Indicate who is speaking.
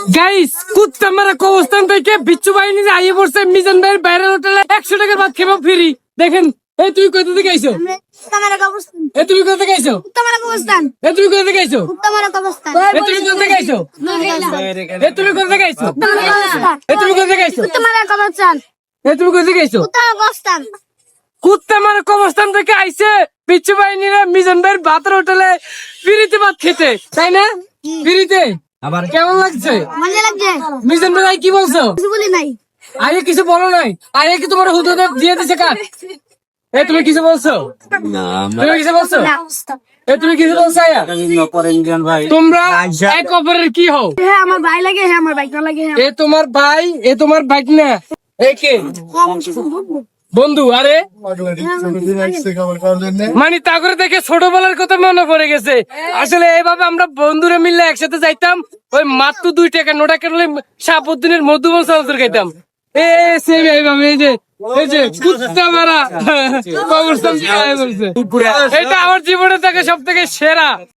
Speaker 1: Guys কুত্তা মারা কবরস্থান থেকে বিচ্ছু বাহিনী আইয়ে পড়ছে মিজান ভাইয়ের বাইরের হোটেলে 100 টাকার ভাত খেবা ফ্রি। দেখেন এই তুমি কোথা থেকে আইছো?
Speaker 2: কুত্তামারা কবরস্থান।
Speaker 1: এই তুমি কোথা থেকে আইছো?
Speaker 2: কুত্তামারা কবরস্থান।
Speaker 1: এই তুমি কোথা থেকে আইছো?
Speaker 2: কুত্তামারা কবরস্থান।
Speaker 1: এই তুমি কোথা থেকে আইছো? এই তুমি কোথা থেকে আইছো?
Speaker 2: কুত্তামারা কবরস্থান।
Speaker 1: এই তুমি কোথা থেকে আইছো?
Speaker 2: কুত্তামারা কবরস্থান।
Speaker 1: এই তুমি কোথা থেকে আইছো?
Speaker 2: কুত্তামারা কবরস্থান।
Speaker 1: কুত্তা মারা কবরস্থান থেকে আইছে বিচ্ছু বাহিনীরা মিজান ভাইয়ের ভাতের হোটেলে ফ্রিতে ভাত খেতে, তাই না? ফ্রিতে আবার কেমন লাগছে?
Speaker 2: মজা লাগছে?
Speaker 1: মিজান ভাই কি বলছো?
Speaker 2: কিছু বলি নাই।
Speaker 1: আরে কিছু বলো নাই, আরে কি তোমার হুদুদ দিয়ে দিছে কাট? এই তুমি কিছু বলছো? তুমি কিছু বলছো? এই তুমি কিছু বলছো? আয়া তোমরা এক অপরের কি হও?
Speaker 2: হ্যাঁ আমার ভাই লাগে, হ্যাঁ আমার বাইক না লাগে, হ্যাঁ
Speaker 1: এ তোমার ভাই, এ তোমার বাইক না, এ কে? বন্ধু। আরে মানে তা করে দেখে ছোটবেলার কথা মনে পড়ে গেছে। আসলে এইভাবে আমরা বন্ধুরা মিললে একসাথে যাইতাম, ওই মাত্র 2 টাকা নোটা কেটে শাহাবুদ্দিনের মধুবন চালচুর খাইতাম। সেম এইভাবে এই যে কুত্তা মারা কবরস্থান থেকে আয়া করছে। এটা আমার জীবনে থেকে সব থেকে সেরা।